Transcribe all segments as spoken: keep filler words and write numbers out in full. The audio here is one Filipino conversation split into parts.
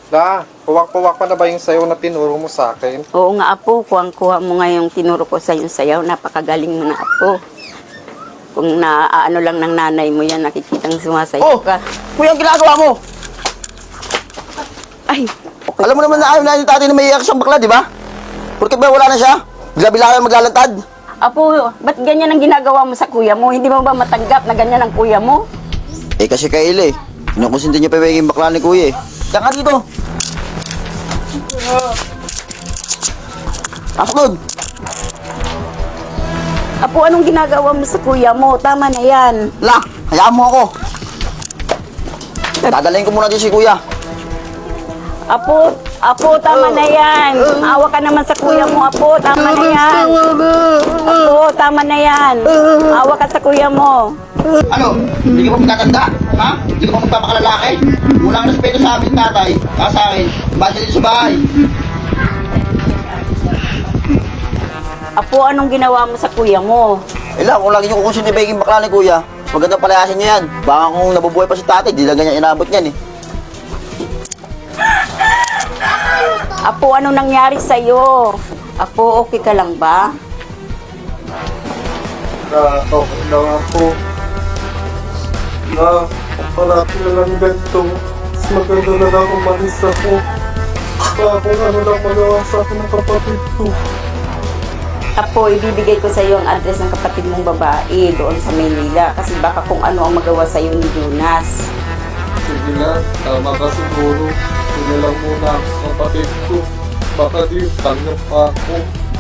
La, kuwak-kuwak pa na ba yung sayaw na tinuro mo sa akin? Oo nga, Apo. Kuwang-kuha mo nga yung tinuro ko sa yung sayaw. Napakagaling mo na, Apo. Kung naaano lang ng nanay mo yan, nakikitang sumasayaw Oh! ka. Kuya, ang ginagawa mo! Ay, Alam mo naman na ayaw na yung tatay na may iyak siyang bakla, di ba? Porque ba wala na siya? Bila-bila kayo maglalantad. Apo, ba't ganyan ang ginagawa mo sa kuya mo? Hindi mo ba matanggap na ganyan ang kuya mo? Eh kasi kay Ile, kinukusinti niya pa yung bakla ni kuya eh. Diyan ka dito! Pasok nun! Apo, anong ginagawa mo sa kuya mo? Tama na yan. La, hayaan mo ako! Dadalayin ko muna din si kuya. Apo, Apo, tama na yan. Maawa ka naman sa kuya mo, Apo. Tama na yan. Apo, tama na yan. Maawa ka sa kuya mo. Ano? Hindi ka pa magtatanda? Ha? Hindi ka pa magpapakalalaki? Walang respeto sa akin, tatay. Saka sa akin. Basta dito sa bahay. Apo, anong ginawa mo sa kuya mo? Eh lang, kung lagi niyo kukusin ni Beking bakla ni kuya, magandang palayasin niyo yan. Baka kung nabubuhay pa si tatay, di lang ganyan inabot niyan eh. Apo, anong nangyari sa'yo? Apo, okay ka lang ba? La, okay lang ako. La, parati na lang ganito. Mas maganda na lang umalis ako. Baka kung ano lang magawa sa akin ng kapatid ko. Apo, ibibigay ko sa'yo ang address ng kapatid mong babae doon sa Maynila. Kasi baka kung ano ang magawa sa'yo ni Jonas. Sige na, tama ka siguro. Hindi lang muna ako sa kapatid ko. Baka di, tanggap pa ako.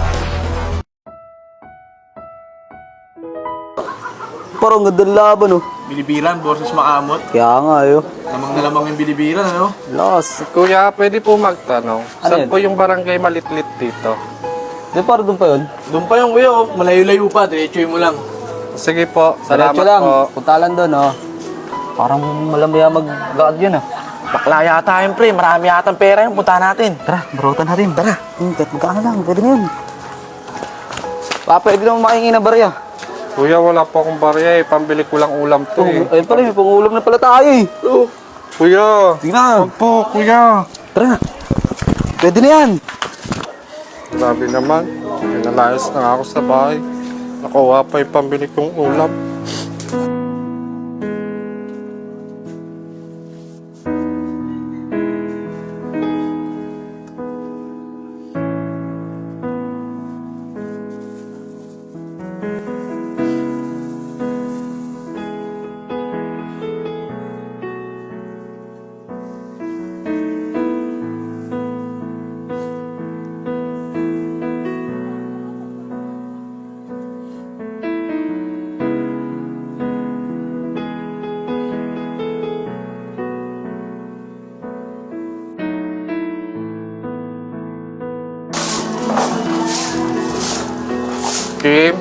Parang gandang laban oh. Bilibiran versus makamot. Kaya nga ayo. Lamang na lamang yung bilibiran, ano? Loss. Kuya, pwede po magtanong. Saan yun? po yung barangay Malitlit dito? Di parang doon pa yun? Doon pa yung kuya, oh. Malayo-layo pa. Diretsoy mo lang. Sige po, salamat Diretso lang, po. punta lang doon, oh. Parang malamaya mag-gaad yun, ah. Bakla yata yun, pre. Marami yata ang pera yun. Punta natin. Tara, barutan natin. Tara. Hmm, kahit magkano lang, pwede na yun. Pa, pwede naman makahingi ng barya. Kuya, wala po akong barya eh. Pambili ko lang ulam to Oh, eh. ayun pala, may pangulam na pala tayo, eh. Oh, kuya, Sige na. wag po, kuya. Tara. Pwede na yan. Grabe naman. Pinalayas na nga ako sa bahay. Nakuha pa yung pambili kong ulam. Kim,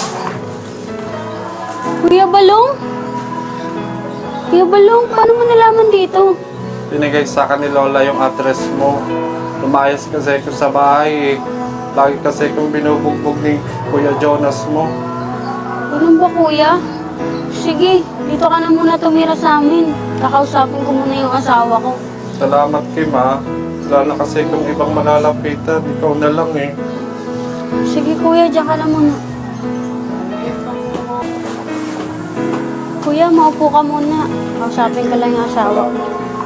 Kuya Balong? Kuya Balong, paano mo nalaman dito? binigay sa akin ni Lola yung address mo. Lumayas kasi ako sa bahay eh. Lagi kasi kong binubugbog ni Kuya Jonas mo. Ganun ba, kuya? Sige, dito ka na muna tumira sa amin. Kakausapin ko muna yung asawa ko. Salamat, Kim ha. Wala na kasi kung ibang malalapitan. Ikaw na lang eh. Sige, kuya, diyan ka na muna. Kuya, maupo ka muna. Kausapin ko lang yung asawa ko.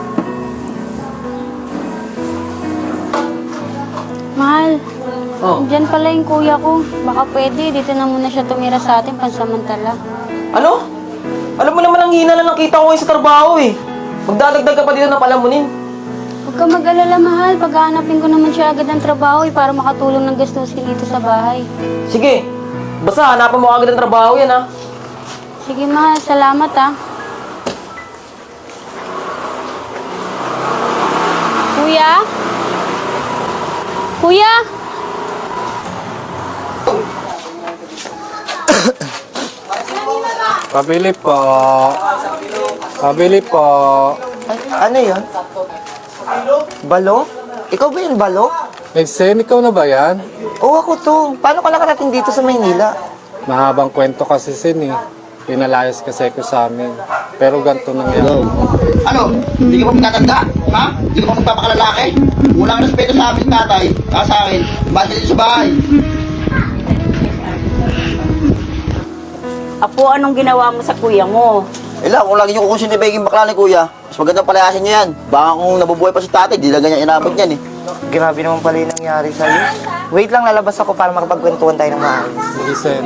Mahal, Oh. dyan pala yung kuya ko. Baka pwede, dito na muna siya tumira sa atin pansamantala. Ano? Alam mo naman ang hina lang ng kita ko ngayon sa trabaho eh. Magdadagdag ka pa dito na palamunin. Huwag ka mag-alala, mahal. Paghahanapin ko naman siya agad ng trabaho eh, para makatulong ng gastusin dito sa bahay. Sige, basta hanapan mo agad ng trabaho yan ha. Sige, mahal. Salamat, ah. Kuya? Kuya? Pabili po. Pabili po. Ano yun? Balo? Ikaw ba yun, Balo? Nagsen, ikaw na ba yan? Oo, ako to. Paano ka nakarating dito sa Maynila? Mahabang kwento kasi sin eh. Pinalayas kasi ko sa amin. Pero ganito nangyari. Hello. Ano? Hindi ka pa magtatanda? Ha? Hindi ka pa magpapakalalaki? Walang respeto sa amin, tatay. Saka sa akin. Basta dito sa bahay. Apo, anong ginawa mo sa kuya mo? Ila, kung lagi nyo kukusin ni Beking bakla ni kuya, mas magandang palayasin nyo yan. Baka kung nabubuhay pa si tatay, di lang ganyan inabot yan eh. Grabe naman pala yung nangyari sa'yo. Wait lang, lalabas ako para makapagkwentuhan tayo ng maayos. Sige, Sen.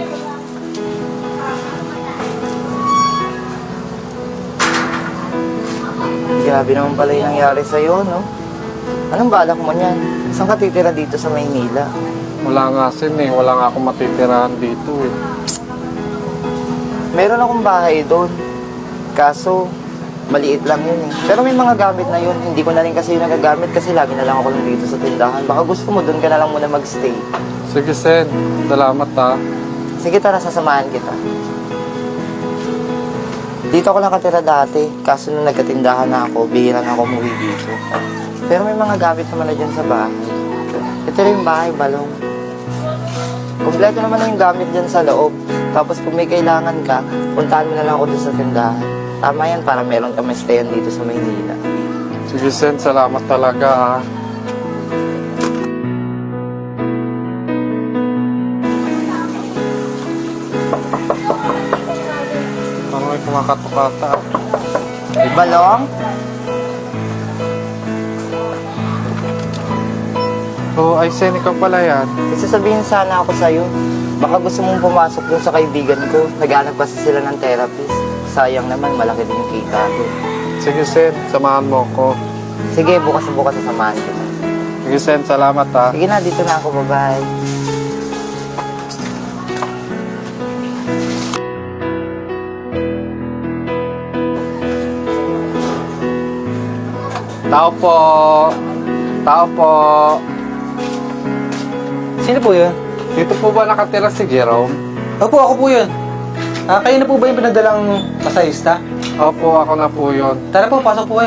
Grabe naman pala yung nangyari sa'yo, no? Anong balak mo niyan? Saan ka titira dito sa Maynila? Wala nga, Sen eh. Wala nga akong matitirahan dito eh. Meron akong bahay doon. Kaso, maliit lang yun eh. Pero may mga gamit na yun. Hindi ko na rin kasi yung nagagamit kasi lagi na lang ako lang dito sa tindahan. Baka gusto mo doon ka na lang muna magstay. Sige, Sen. Salamat ha. Sige, tara, sasamahan kita. Dito ako nakatira dati. Kaso nung nagkatindahan na ako, bihira na ako umuwi dito. Pero may mga gamit naman na dyan sa bahay. Ito rin yung bahay, balong. Kompleto naman na yung gamit dyan sa loob. Tapos kung may kailangan ka, puntahan mo na lang ako dun sa tindahan. Tama yan para meron ka may stayan dito sa Maynila. Sige, Sen. Salamat talaga ha. Parang may kumakatukata. Balong? Oo, ay Sen, ikaw pala yan. May sasabihin sana ako sa'yo. Baka gusto mong pumasok dun sa kaibigan ko. Naghanap kasi sila ng therapist. Sayang naman, malaki din yung kita ko. Sige, Sen. Samahan mo ko. Sige, bukas na bukas sasamahan kita. Sige, Sen. Salamat ha. Sige na, dito na ako. Bye-bye. Tao po. Tao po. Sino po yun? Dito po ba nakatira si Jerome? Opo, ako po yun. Ah, kayo na po ba yung pinadalang masahista? Opo, ako na po yun. Tara po, pasok po kayo.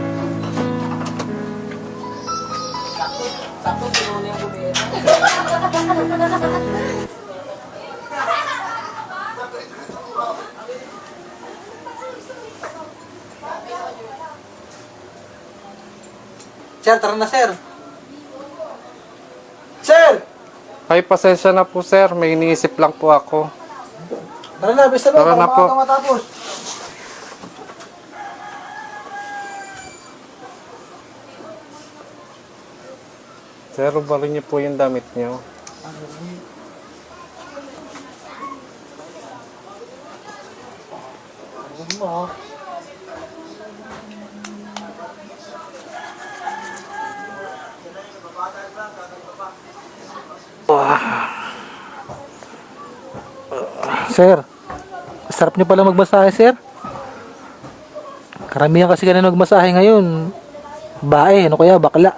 Sir, tara na, sir. Sir! Ay, pasensya na po, sir. May iniisip lang po ako. Tara na, bisa na. Tara na po. Baka matapos. Sir, ubalin niyo po yung damit niyo. Sir, sarap niyo pala magmasahe, sir. Karamihan kasi ganun magmasahe ngayon. Bae, ano kaya, bakla.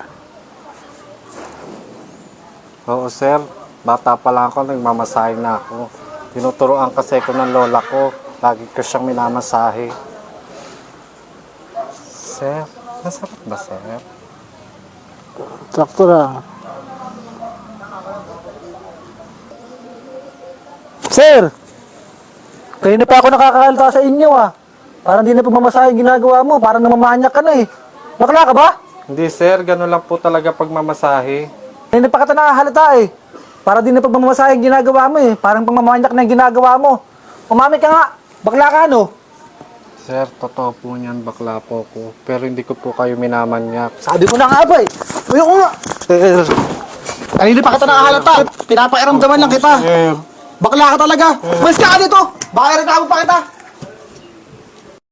Oo, sir. Bata pa lang ako, nagmamasahe na ako. Tinuturoan kasi ko ng lola ko. Lagi ko siyang minamasahe. Sir, masarap ba, sir? Sakto lang. Sir! Kayo na pa ako nakakakalta sa inyo ah. Parang di na pagmamasahe yung ginagawa mo. Parang namamanyak ka na eh. Bakla ka ba? Hindi, sir. Ganun lang po talaga pagmamasahe. Kayo na pa kita nakakalata eh. Parang di na pagmamasahe yung ginagawa mo eh. Parang pagmamanyak na yung ginagawa mo. Umamit ka nga. Bakla ka ano? Sir, totoo po niyan. Bakla po ko. Pero hindi ko po kayo minamanyak. Sabi ko na nga ba eh. Ayoko nga. Sir. Kanina pa kita nakahalata. Pinapairamdaman lang kita. Sir. Bakla ka talaga. Mas ka dito. Baka rin pa kita.